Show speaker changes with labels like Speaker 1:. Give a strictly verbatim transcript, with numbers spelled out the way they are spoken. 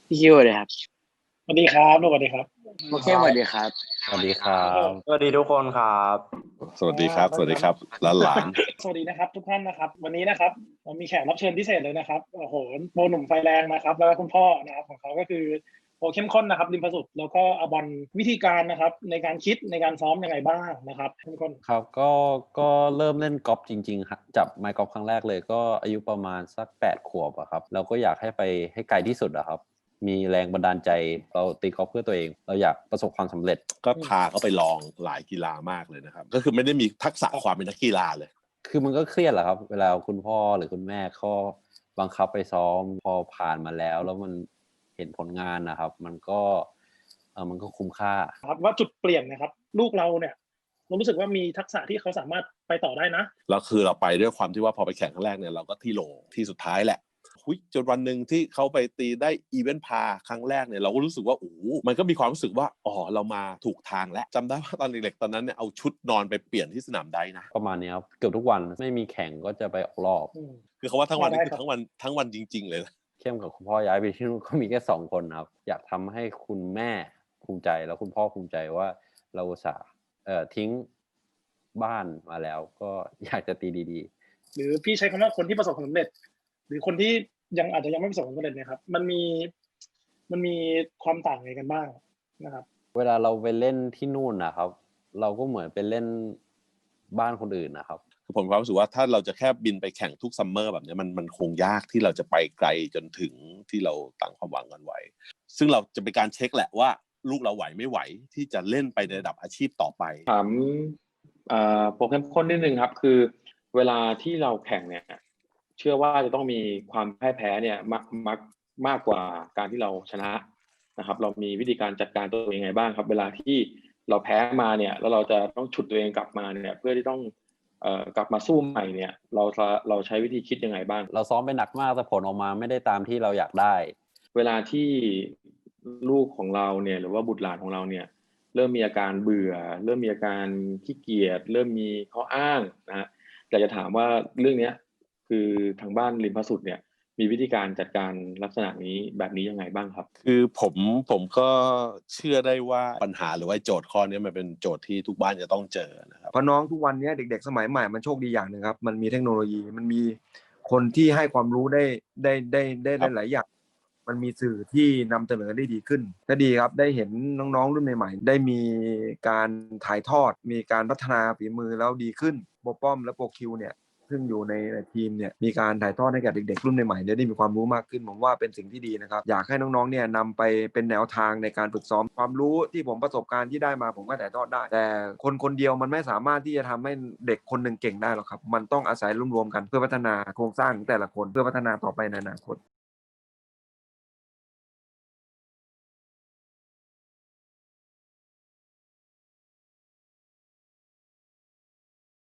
Speaker 1: พี่คิวสวัสดีครับ
Speaker 2: สวัสดีครับสวัสดีครับ
Speaker 1: โอเคสวัสดีครับ
Speaker 3: สวัสดีครับ
Speaker 4: สวัสดีทุกคนครับ
Speaker 3: สวัสดีครับ สวัสดีครับหลานหลาน
Speaker 2: สวัสดีนะครับทุกท่านนะครับ วันนี้นะครับเรามีแขกรับเชิญพิเศษเลยนะครับโอ้โหโปรหนุ่มไฟแรงนะครับ แล้วก็คุณพ่อนะครับของเขาก็คือโปรเข้มข้นนะครับริมประสุดแล้วก็อาบอลวิธีการนะครับในการคิดในการซ้อมยังไงบ้างนะครับเข้มข้น
Speaker 3: ครับก็ก็เริ่มเล่นกอล์ฟจริงๆครับจับไมค์กอล์ฟครั้งแรกเลยก็อายุประมาณสักแปดขวบอะครับเราก็อยากให้ไปให้ไกลที่สุดอะครับมีแรงบันดาลใจเราตีกอล์ฟเพื่อตัวเองเราอยากประสบความสำเร็จ
Speaker 4: ก็พาเขาไปลองหลายกีฬามากเลยนะครับก็คือไม่ได้มีทักษะความเป็นนักกีฬาเลย
Speaker 3: คือมันก็เครียดแหละครับเวลาคุณพ่อหรือคุณแม่เขาบังคับไปซ้อมพอผ่านมาแล้วแล้วมันเห็นผลงานนะครับมันก็เออมันก็คุ้มค่า
Speaker 2: ครับว่าจุดเปลี่ยนนะครับลูกเราเนี่ยเรารู้สึกว่ามีทักษะที่เขาสามารถไปต่อได้นะ
Speaker 4: แล้วคือเราไปด้วยความที่ว่าพอไปแข่งครั้งแรกเนี่ยเราก็ที่โหลที่สุดท้ายแหละหุยจนวันหนึ่งที่เขาไปตีได้อีเวนต์พาครั้งแรกเนี่ยเราก็รู้สึกว่าโอ้มันก็มีความรู้สึกว่าอ๋อเรามาถูกทางแล้วจำได้ว่าตอนเด็กๆตอนนั้นเนี่ยเอาชุดนอนไปเปลี่ยนที่สนามไดนะ
Speaker 3: ประมาณนี้ครับเกือบทุกวันไม่มีแข่งก็จะไปออกรอบ
Speaker 4: คือเขาว่าทั้งวันนี่คือทั้งวันทั้งวันจริงๆเลยนะ
Speaker 3: เข้มกับคุณพ่อย้ายไปที่นู่นก็มีแค่สองคนครับอยากทำให้คุณแม่ภูมิใจแล้วคุณพ่อภูมิใจว่าเราอุตส่าห์เอ่อทิ้งบ้านมาแล้วก็อยากจะตีดี
Speaker 2: ๆหรือพี่ใช้คำว่าคนที่ประสบความสำเร็จหรือคนที่ยังอาจจะยังไม่ประสบความสำเร็จเนี่ยครับมันมีมันมีความต่างไงกันบ้างนะครับ
Speaker 3: เวลาเราไปเล่นที่นู่นนะครับเราก็เหมือนไปเล่นบ้านคนอื่นนะครับ
Speaker 4: คือผมความรู้สึกว่าถ้าเราจะแค่บินไปแข่งทุกซัมเมอร์แบบนี้มันมันคงยากที่เราจะไปไกลจนถึงที่เราตั้งความหวังกันไว้ซึ่งเราจะเป็นการเช็คแหละว่าลูกเราไหวไม่ไหวที่จะเล่นไปในระดับอาชีพต่อไป
Speaker 5: ถามโปรแกรมข้นนิดนึงครับคือเวลาที่เราแข่งเนี่ยเชื่อว่าจะต้องมีความพ่ายแพ้เนี่ยมากมากมากกว่าการที่เราชนะนะครับเรามีวิธีการจัดการตัวเองยังไงบ้างครับเวลาที่เราแพ้มาเนี่ยแล้วเราจะต้องฉุดตัวเองกลับมาเนี่ยเพื่อที่ต้องเอ่อกลับมาสู้ใหม่เนี่ยเราเราใช้วิธีคิดยังไงบ้าง
Speaker 3: เราซ้อมไปหนักมากแต่ผลออกมาไม่ได้ตามที่เราอยากได้
Speaker 5: เวลาที่ลูกของเราเนี่ยหรือว่าบุตรหลานของเราเนี่ยเริ่มมีอาการเบื่อเริ่มมีอาการขี้เกียจเริ่มมีข้ออ้างนะฮะอยากจะถามว่าเรื่องนี้คือทางบ้านริมพระสุดเนี่ยมีวิธีการจัดการลักษณะนี้แบบนี้ยังไงบ้างครับ
Speaker 4: คือผมผมก็เชื่อได้ว่าปัญหาหรือว่าโจทย์ข้อนี้มันเป็นโจทย์ที่ทุกบ้านจะต้องเจอนะครับ
Speaker 6: เพราะน้องทุกวันนี้เด็กๆสมัยใหม่มันโชคดีอย่างหนึ่งครับมันมีเทคโนโลยีมันมีคนที่ให้ความรู้ได้ได้ได้ได้หลายอย่างมันมีสื่อที่นำเสนอได้ดีขึ้นก็ดีครับได้เห็นน้องๆรุ่นใหม่ๆได้มีการถ่ายทอดมีการพัฒนาฝีมือแล้วดีขึ้นโปรป้อมและโปรคิวเนี่ยซึ่งอยู่ในทีมเนี่ยมีการถ่ายทอดให้กับเด็กๆรุ่นใหม่ๆได้มีความรู้มากขึ้นผมว่าเป็นสิ่งที่ดีนะครับอยากให้น้องๆเนี่ยนำไปเป็นแนวทางในการฝึกซ้อมความรู้ที่ผมประสบการณ์ที่ได้มาผมก็ถ่ายทอดได้แต่คนคนเดียวมันไม่สามารถที่จะทำให้เด็กคนหนึ่งเก่งได้หรอกครับมันต้องอาศัยรวมๆกันเพื่อพัฒนาโครงสร้างของแต่ละคนเพื่อพัฒนาต่อไปในอนาคต